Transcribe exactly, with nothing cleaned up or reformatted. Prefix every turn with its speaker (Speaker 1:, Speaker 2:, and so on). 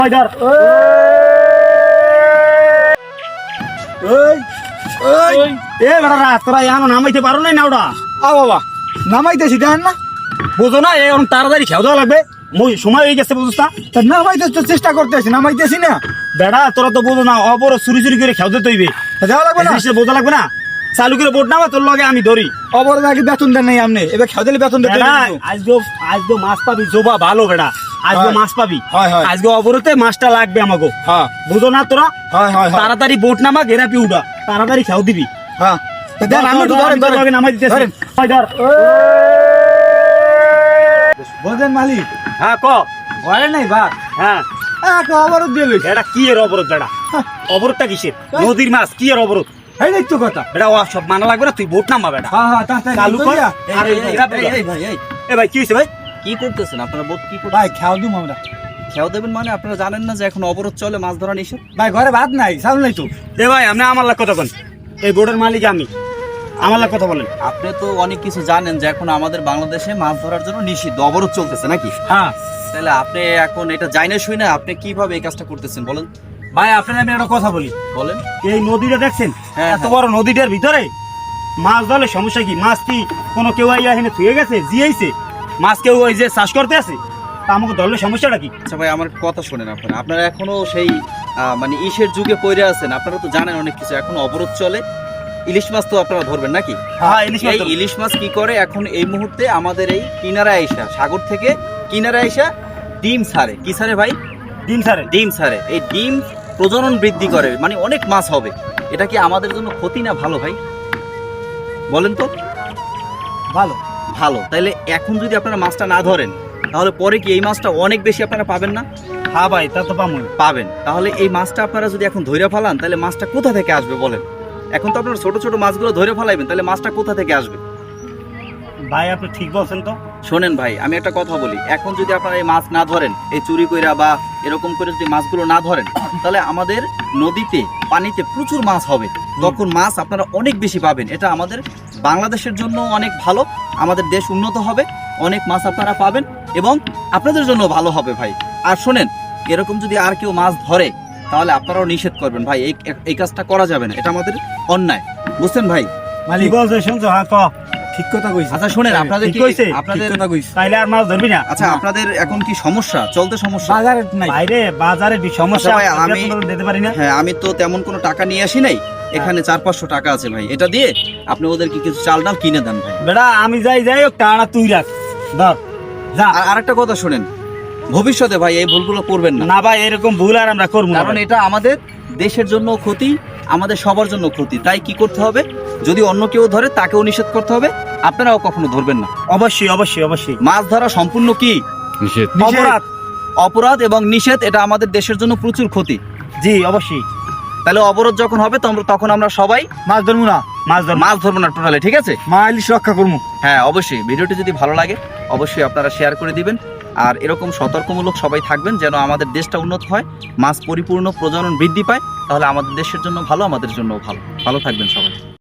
Speaker 1: ধর
Speaker 2: ওই ওই
Speaker 1: এ বেটা তোরা এমন নামাইতে পারো নাই না ওটা
Speaker 2: আ বাবা নামাইতেছি দেখেন না
Speaker 1: বুঝো না এখন তাড়াতাড়ি খেয়ে দেওয়া লাগবে মই সময় হয়ে গেছে বুঝছ না
Speaker 2: তা নামাইতে তো চেষ্টা করতেছি নামাইতেছি না
Speaker 1: বেটা তোরা তো বুঝো না অপর চুরি চুরি করে খেয়ে দিতে হইবে
Speaker 2: তা যাওয়া লাগবে না
Speaker 1: বোঝা লাগবে না চালু করে বোট নামা তোর লগে আমি ধরি
Speaker 2: অবরোধ আগে বেতন দেন নাই আপনি এবার খেয়ে দিলে বেতন দিতে
Speaker 1: বেটা আজকে আজকে মাছ পাবি জোবা ভালো বেটা আজকে
Speaker 2: হয়।
Speaker 1: মাছ পাবি
Speaker 2: হয়, হয়।
Speaker 1: আজকে অবরতে মাছটা লাগবে আমাকে
Speaker 2: হ্যাঁ
Speaker 1: বুঝো না তোরা
Speaker 2: হয় হয় হয়
Speaker 1: তাড়াতাড়ি বোট নামা গেরাপি উঠা তাড়াতাড়ি খেয়ে দিবি
Speaker 2: হ্যাঁ তা দেন আমি একটু ধরেন
Speaker 1: তোর লগে
Speaker 2: ধরেন
Speaker 1: নামাই দিতেছি
Speaker 2: ধরেন।
Speaker 1: ওই ধর
Speaker 2: বোঝেন মালিক
Speaker 1: হ্যাঁ ক
Speaker 2: ঘরে নাই বা
Speaker 1: হ্যাঁ
Speaker 2: একটা অবরোধ দিয়ে লইছে
Speaker 1: এটা কি এর অবরোধ বেটা অবরোধটা কিসের নদীর মাছ কি এর অবরোধ
Speaker 2: এই নাই তো কথা
Speaker 1: বেটা ও সব মানা লাগবে না তুই বোট নামা বেটা
Speaker 2: হ্যাঁ হ্যাঁ তাড়াতাড়ি
Speaker 1: চালু কর
Speaker 2: কইরা।
Speaker 1: আর এই গেরাপি উঠা।
Speaker 3: এই ভাই এই
Speaker 1: এ ভাই কি হয়েছে ভাই
Speaker 3: কি করতেছেন আপনারা বোট কি করতেছেন
Speaker 2: ভাই খেয়াল দিম আমরা
Speaker 3: খেয়াও দেবেন মানে আপনারা জানেন না যে এখন অবরোধ চলে মাছ ধরা নিষেধ
Speaker 2: ভাই ঘরে ভাত নাই চাল নাই তো
Speaker 1: এ ভাই আপনি আমার লাগ কথা বলেন এই বোর্ডের মালিক আমি আমার লাগ কথা বলেন
Speaker 3: আপনি তো অনেক কিছু জানেন যে এখন আমাদের বাংলাদেশে মাছ ধরার জন্য নিষিদ্ধ অবরোধ চলতেছে নাকি
Speaker 1: হ্যাঁ
Speaker 3: তাহলে আপনি এখন এটা জানি না শুই না আপনি কিভাবে এই কাজটা করতেছেন বলেন
Speaker 1: ভাই আপনার আমি একটা কথা বলি
Speaker 3: বলেন
Speaker 1: এই নদীটা দেখছেন
Speaker 3: হ্যাঁ,
Speaker 1: এত
Speaker 3: হ্যাঁ।
Speaker 1: বড় নদীটার ভিতরে মাছ ধরলে সমস্যা কি মাছ কি কোনো কেউ আইয়া এখানে থুয়ে গেছে জিয়াইছে মাছ কেউ ওই যে চাষ করতে আছে তা আমাকে ধরলে সমস্যাটা কি
Speaker 3: আচ্ছা ভাই আমার কথা শোনেন আপনারা আপনারা এখনো সেই আহ, মানে ইসের যুগে পড়ে আছেন আপনারা তো জানেন অনেক কিছু এখন অবরোধ চলে ইলিশ মাছ তো আপনারা ধরবেন নাকি
Speaker 1: হ্যাঁ ইলিশ মাছ
Speaker 3: এই
Speaker 1: ধরবো।
Speaker 3: ইলিশ মাছ কি করে এখন এই মুহূর্তে আমাদের এই কিনারা আইসা সাগর থেকে কিনারা আইসা ডিম ছাড়ে কি ছাড়ে ভাই
Speaker 1: দিন সারে
Speaker 3: ডিম ছাড়ে এই ডিম প্রজনন বৃদ্ধি করে মানে অনেক মাছ হবে এটা কি আমাদের জন্য ক্ষতি না ভালো ভাই বলেন তো
Speaker 2: ভালো
Speaker 3: ভালো তাইলে এখন যদি আপনারা মাছটা না ধরেন তাহলে পরে কি এই মাছটা অনেক বেশি আপনারা পাবেন না
Speaker 1: হ্যাঁ ভাই তা তো পামু
Speaker 3: পাবেন তাহলে এই মাছটা আপনারা যদি এখন ধরে ফেলান তাহলে মাছটা কোথা থেকে আসবে বলেন এখন তো আপনারা ছোট ছোট মাছগুলো ধরে ফেলাইবেন তাহলে মাছটা কোথা থেকে আসবে
Speaker 1: ভাই আপনি ঠিক বলছেন তো
Speaker 3: শোনেন ভাই আমি একটা কথা বলি এখন যদি আপনারা এই মাছ না ধরেন এই চুরি কইরা বা এরকম করে যদি মাছগুলো না ধরেন তাহলে আমাদের নদীতে পানিতে প্রচুর মাছ হবে তখন মাছ আপনারা অনেক বেশি পাবেন এটা আমাদের বাংলাদেশের জন্য অনেক ভালো আমাদের দেশ উন্নত হবে অনেক মাছ আপনারা পাবেন এবং আপনাদের জন্য ভালো হবে ভাই আর শোনেন এরকম যদি আর কেউ মাছ ধরে তাহলে আপনারাও নিষেধ করবেন ভাই এই এই কাজটা করা যাবে না এটা আমাদের অন্যায় বুঝছেন ভাই
Speaker 1: কি
Speaker 2: মালিক
Speaker 1: বলছে শুনছো হ্যাঁ ক
Speaker 2: ঠিক কথা কইছে
Speaker 3: আচ্ছা শোনেন আপনাদের
Speaker 1: ঠিক
Speaker 3: কি
Speaker 1: কইছে?
Speaker 3: আপনাদের
Speaker 2: ঠিক কথা কইছে
Speaker 1: তাইলে আর মাছ ধরবি না
Speaker 3: আচ্ছা আপনাদের এখন কি সমস্যা চলতে সমস্যা
Speaker 2: বাজারে নাই
Speaker 1: বাইরে বাজারে বি- সমস্যা
Speaker 3: আচ্ছা ভাই,
Speaker 1: আছে,
Speaker 3: আমি-
Speaker 1: বেতন দিতে পারি না
Speaker 3: হ্যাঁ আমি তো তেমন কোনো টাকা নিয়ে আসি নাই এখানে চার পাঁচশো টাকা আছে ভাই এটা দিয়ে আপনি ওদেরকে কিছু চাল ডাল কিনে দেন ভাই
Speaker 1: বেটা আমি যাই যাই হোক টানা তুই রাখ ধর যা
Speaker 3: আর আরেকটা কথা শোনেন ভবিষ্যতে ভাই এই ভুলগুলো করবেন না
Speaker 1: না ভাই এরকম ভুল আর আমরা করবো না
Speaker 3: কারণ
Speaker 1: ভাই।
Speaker 3: এটা আমাদের দেশের জন্য ক্ষতি আমাদের সবার জন্য ক্ষতি তাই কি করতে হবে যদি অন্য কেউ ধরে তাকেও নিষেধ করতে হবে আপনারাও কখনো ধরবেন না
Speaker 1: অবশ্যই অবশ্যই অবশ্যই
Speaker 3: মাছ ধরা সম্পূর্ণ কি
Speaker 2: নিষেধ।
Speaker 1: অপরাধ
Speaker 3: অপরাধ এবং নিষেধ এটা আমাদের দেশের জন্য প্রচুর ক্ষতি
Speaker 1: জি অবশ্যই
Speaker 3: তাহলে অবরোধ যখন হবে তখন- তখন আমরা সবাই
Speaker 2: মাছ ধরবো না
Speaker 1: মাছ ধর
Speaker 3: মাছ ধরবো না টোটালে ঠিক আছে
Speaker 2: মা ইলিশ রক্ষা করবো
Speaker 3: হ্যাঁ অবশ্যই ভিডিওটি যদি ভালো লাগে অবশ্যই আপনারা শেয়ার করে দিবেন আর এরকম সতর্কমূলক সবাই থাকবেন যেন আমাদের দেশটা উন্নত হয় মাছ পরিপূর্ণ প্রজনন বৃদ্ধি পায় তাহলে আমাদের দেশের জন্য ভালো আমাদের জন্য ভালো ভালো থাকবেন সবাই